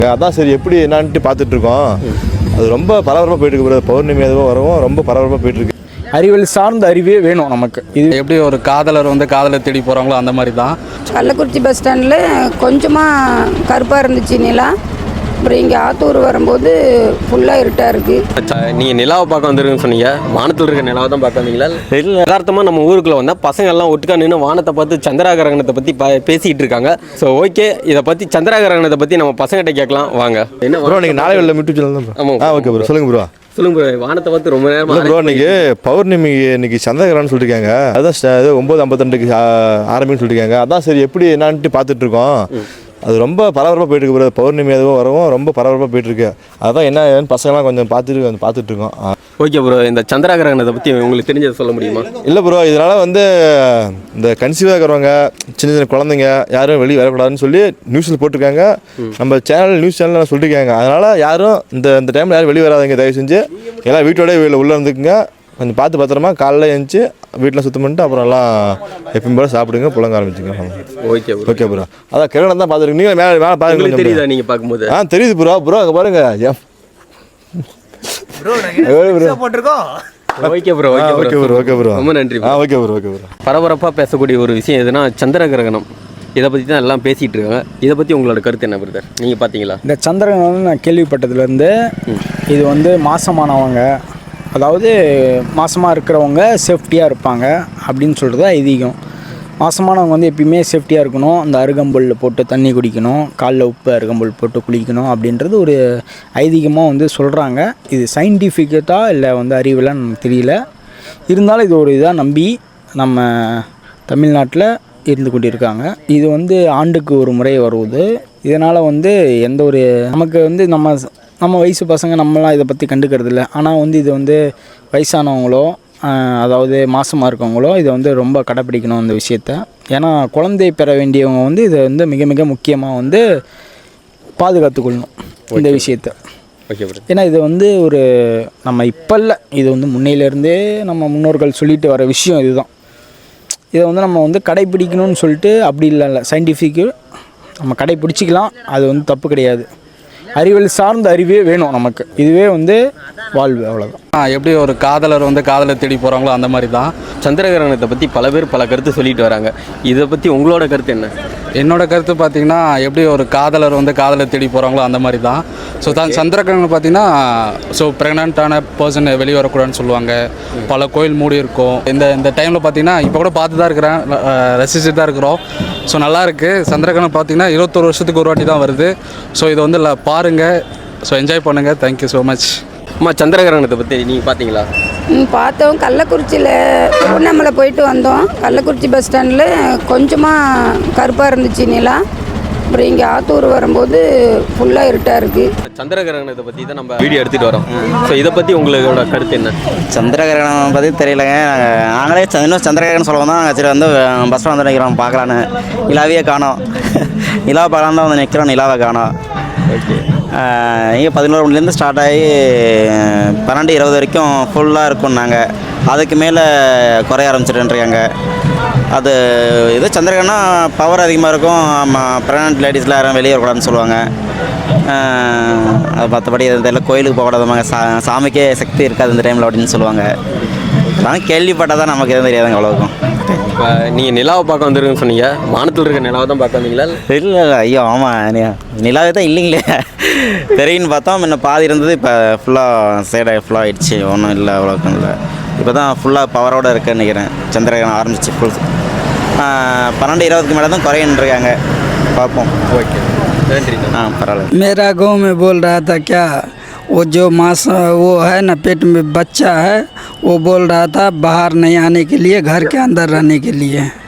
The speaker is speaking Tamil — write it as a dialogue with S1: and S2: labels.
S1: அதான் சரி எப்படி என்னான்ட்டு பார்த்துட்டு இருக்கோம். அது ரொம்ப பரபரப்பாக போயிட்டு இருக்கு. பௌர்ணமி எதுவும் வரவும் ரொம்ப பரபரப்பாக போயிட்டு இருக்கு.
S2: அறிவியல் சார்ந்த அறிவே வேணும் நமக்கு. இது எப்படி ஒரு காதலர் வந்து காதலை தேடி போகிறாங்களோ அந்த மாதிரி தான்.
S3: கள்ளக்குறிச்சி பஸ் ஸ்டாண்டில் கொஞ்சமாக கருப்பாக இருந்துச்சு நிலா. அப்புறம் இங்கே ஆத்தூர் வரும்போது ஃபுல்லாக இருட்டாக இருக்குது.
S4: நீங்கள் நிலாவை பார்க்க வந்துருக்குன்னு சொன்னீங்க. வானத்தில் இருக்க நிலாவை தான் பார்க்க வந்தீங்களா? இல்லை, யதார்த்தமாக நம்ம ஊருக்குள்ளே வந்தால் பசங்க எல்லாம் ஒட்டுக்கா நின்று வானத்தை பார்த்து சந்திராகிரகணத்தை பற்றி பேசிக்கிட்டு இருக்காங்க. ஸோ ஓகே, இதை பற்றி சந்திராகிரகணத்தை பற்றி நம்ம பசங்கிட்ட கேட்கலாம் வாங்க. என்ன
S1: ப்ரோ நீங்கள் நாளை வெளில யூடியூப் சேனல் தான்.
S4: ஆமாம்.
S1: ஓகே ப்ரோ, சொல்லுங்கள் ப்ரோ.
S4: சொல்லுங்க ப்ரோ. வானத்தை பார்த்து ரொம்ப நேரம்
S1: ப்ரோ இன்னைக்கு பௌர்ணமி, இன்னைக்கு சந்திரகிரகணம்னு சொல்லியிருக்காங்க. அதான் 9:52 ஆரம்பின்னு சொல்லியிருக்காங்க. அதான் சரி எப்படி என்னான்ட்டு பார்த்துட்டு இருக்கோம். அது ரொம்ப பரபரப்பாக போயிட்டு இருக்கு. பௌர்ணமி எதுவும் வரவும் ரொம்ப பரபரப்பாக போயிட்டு இருக்கு. அதான் என்ன ஏன்னு பசங்களாம் கொஞ்சம் பார்த்துட்டு இருக்கோம்.
S4: ஓகே ப்ரோ, இந்த சந்திராகிரகணத்தை பற்றி உங்களுக்கு தெரிஞ்சதை சொல்ல முடியுமா?
S1: இல்லை ப்ரோ, இதனால் இந்த கன்சீவாக இருக்கிறவங்க, சின்ன சின்ன குழந்தைங்க யாரும் வெளியே வரக்கூடாதுன்னு சொல்லி நியூஸில் போட்டிருக்காங்க. நம்ம நியூஸ் சேனலில் சொல்லியிருக்காங்க. அதனால் யாரும் இந்த டைமில் யாரும் வெளியே வராதுங்க. தயவு செஞ்சு எல்லாம் வீட்டோட உள்ளே இருந்துக்குங்க. கொஞ்சம் பார்த்து பத்திரமா காலைல எழுந்துச்சி வீட்டில் சுத்தம் பண்ணிட்டு அப்புறம் எல்லாம் எப்பயும் போல சாப்பிடுங்க, புழங்க ஆரம்பிச்சுங்க.
S4: Okay bro.
S1: Okay bro. அதான் கிரகணம் தான் பார்த்துருக்கீங்க. நீங்கள் மேலே பாருங்க.
S4: தெரியுதா நீங்கள் பார்க்கும்போது?
S1: தெரியுது ப்ரோ. அங்கே பாருங்க.
S4: Okay bro.
S1: Okay bro.
S4: ரொம்ப நன்றி.
S1: Okay bro. பரபரப்பாக
S4: பேசக்கூடிய ஒரு விஷயம் எதுனா சந்திரகிரகணம். இதை பற்றி தான் எல்லாம் பேசிகிட்டு இருக்காங்க. இதை பற்றி உங்களோட கருத்து என்ன பிரதர்? நீங்கள் பார்த்தீங்களா?
S2: இந்த சந்திரகிரகணம் நான் கேள்விப்பட்டதுலேருந்து இது வந்து மாசமானவங்க, அதாவது மாசமாக இருக்கிறவங்க சேஃப்டியாக இருப்பாங்க அப்படின்னு சொல்கிறது ஐதீகம். மாசமானவங்க வந்து எப்பயுமே சேஃப்டியாக இருக்கணும். அந்த அருகம்புல் போட்டு தண்ணி குடிக்கணும், காலில் உப்பு அருகம்புல் போட்டு குளிக்கணும் அப்படின்றது ஒரு ஐதீகமாக வந்து சொல்கிறாங்க. இது சயின்டிஃபிக்கட்டாக இல்லை வந்து அறிவியலான்னு நமக்கு தெரியல. இருந்தாலும் இது ஒரு இதாக நம்பி நம்ம தமிழ்நாட்டில் இருந்து கொண்டிருக்காங்க. இது வந்து ஆண்டுக்கு ஒரு முறை வருவது. இதனால் வந்து எந்த ஒரு நமக்கு வந்து நம்ம வயசு பசங்க நம்மளாம் இதை பற்றி கண்டுக்கிறது இல்லை. ஆனால் வந்து இது வந்து வயசானவங்களோ அதாவது மாசமாக இருக்கவங்களோ இதை வந்து ரொம்ப கடைப்பிடிக்கணும் இந்த விஷயத்த. ஏன்னா குழந்தை பெற வேண்டியவங்க வந்து இதை வந்து மிக மிக முக்கியமாக வந்து பாதுகாத்துக்கொள்ளணும் இந்த விஷயத்த. ஏன்னா இது வந்து ஒரு நம்ம இப்போ இல்லை, இது வந்து முன்னையிலேருந்தே நம்ம முன்னோர்கள் சொல்லிட்டு வர விஷயம் இதுதான். இதை வந்து நம்ம வந்து கடைப்பிடிக்கணும்னு சொல்லிட்டு அப்படி இல்லை, சயின்டிஃபிக்கு நம்ம கடைப்பிடிச்சிக்கலாம். அது வந்து தப்பு கிடையாது. அறிவியல் சார்ந்த அறிவே வேணும் நமக்கு. இதுவே வந்து வாழ்வு, அவ்வளோதான்.
S4: எப்படி ஒரு காதலர் வந்து காதலை தேடி போகிறாங்களோ அந்த மாதிரி தான் சந்திரகிரகணத்தை பற்றி பல பேர் பல கருத்து சொல்லிட்டு வராங்க. இதை பற்றி உங்களோட கருத்து என்ன?
S2: என்னோட கருத்து பார்த்திங்கன்னா, எப்படி ஒரு காதலர் வந்து காதலை தேடி போகிறாங்களோ அந்த மாதிரி தான். ஸோ சந்திரகிரகணம் பார்த்திங்கன்னா, ஸோ ப்ரெக்னென்ட்டான பர்சன் வெளியே வரக்கூடாதுன்னு சொல்லுவாங்க. பல கோயில் மூடி இருக்கும். இந்த டைமில் பார்த்திங்கன்னா இப்போ கூட பார்த்து தான் இருக்கிறேன், ரசிச்சுட்டு தான் இருக்கிறோம். ஸோ நல்லாயிருக்கு. சந்திரகிரகணம் பார்த்திங்கன்னா 21 வருஷத்துக்கு ஒரு வாட்டி தான் வருது. ஸோ இதை வந்து பாருங்கள், ஸோ என்ஜாய் பண்ணுங்கள். Thank you so much.
S4: அம்மா, சந்திரகிரகணத்தை பற்றி நீங்கள் பார்த்தீங்களா?
S3: பார்த்தோம். கள்ளக்குறிச்சியில் திருவண்ணாமலை போயிட்டு வந்தோம். கள்ளக்குறிச்சி பஸ் ஸ்டாண்டில் கொஞ்சமாக கருப்பாக இருந்துச்சு நிலா. அப்புறம் இங்கே ஆத்தூர் வரும்போது ஃபுல்லாக இருட்டாக இருக்குது.
S4: சந்திரகிரகணத்தை பற்றி தான் நம்ம வீடியோ எடுத்துகிட்டு வரோம். ஸோ இதை பற்றி உங்களோட கருத்து என்ன?
S5: சந்திரகிரகணம் பற்றி தெரியலைங்க. நாங்களே இன்னும் சந்திரகிரகணம் சொல்லுவோம் தான் சரி வந்து பஸ் ஸ்டாண்ட் வந்து நிற்கிறோம் பார்க்கலான்னு. நிலாவையே காணோம். நிலாவை பார்க்கலாம் தான் வந்து நிற்கிறோம், நிலாவை காணோம்.
S4: ஓகே.
S5: இங்கே 11 மணிலேருந்து ஸ்டார்ட் ஆகி 12-20 வரைக்கும் ஃபுல்லாக இருக்கும். நாங்கள் அதுக்கு மேலே குறைய ஆரம்பிச்சிட்டுருக்காங்க. அது இது சந்திரகிரகணம் பவர் அதிகமாக இருக்கும். ப்ரெக்னென்ட் லேடிஸ்லாம் யாரும் வெளியே வரக்கூடாதுன்னு சொல்லுவாங்க. அது மற்றபடி இதெல்லாம் கோயிலுக்கு போகக்கூடாதுமாங்க, சாமிக்கே சக்தி இருக்காது இந்த டைமில் அப்படின்னு சொல்லுவாங்க. அதெல்லாம் கேள்விப்பட்டால் தான் நமக்கு எதுவும் தெரியாதுங்க அவ்வளோக்கும்.
S4: இப்போ நீங்கள் நிலாவை பார்க்க வந்துருக்குன்னு சொன்னீங்க. வானத்தில் இருக்க நிலாவை தான் பார்க்க வந்தீங்களா?
S5: இல்லை ஐயோ ஆமாம், நிலாவே தான் இல்லைங்களே. தெரியுன்னு பார்த்தோம். முன்ன பாதி இருந்தது, இப்போ ஃபுல்லாக சைடாக ஃபுல்லாக ஆகிடுச்சு. ஒன்றும் இல்லை, அவ்வளோக்கும் இல்லை. இப்போ தான் ஃபுல்லாக பவரோடு இருக்குன்னு நினைக்கிறேன். சந்திரகிரகணம் ஆரம்பிச்சு ஃபுல் 12-20க்கு மேலே தான் குறையின்றிருக்காங்க. பார்ப்போம்.
S4: ஓகே, நன்றி.
S5: பரவாயில்ல.
S6: मेरा गांव में बोल रहा था क्या, वो जो मास वो है ना पेट में बच्चा है, वो बोल रहा था बाहर नहीं आने के लिए, घर के अंदर रहने के लिए।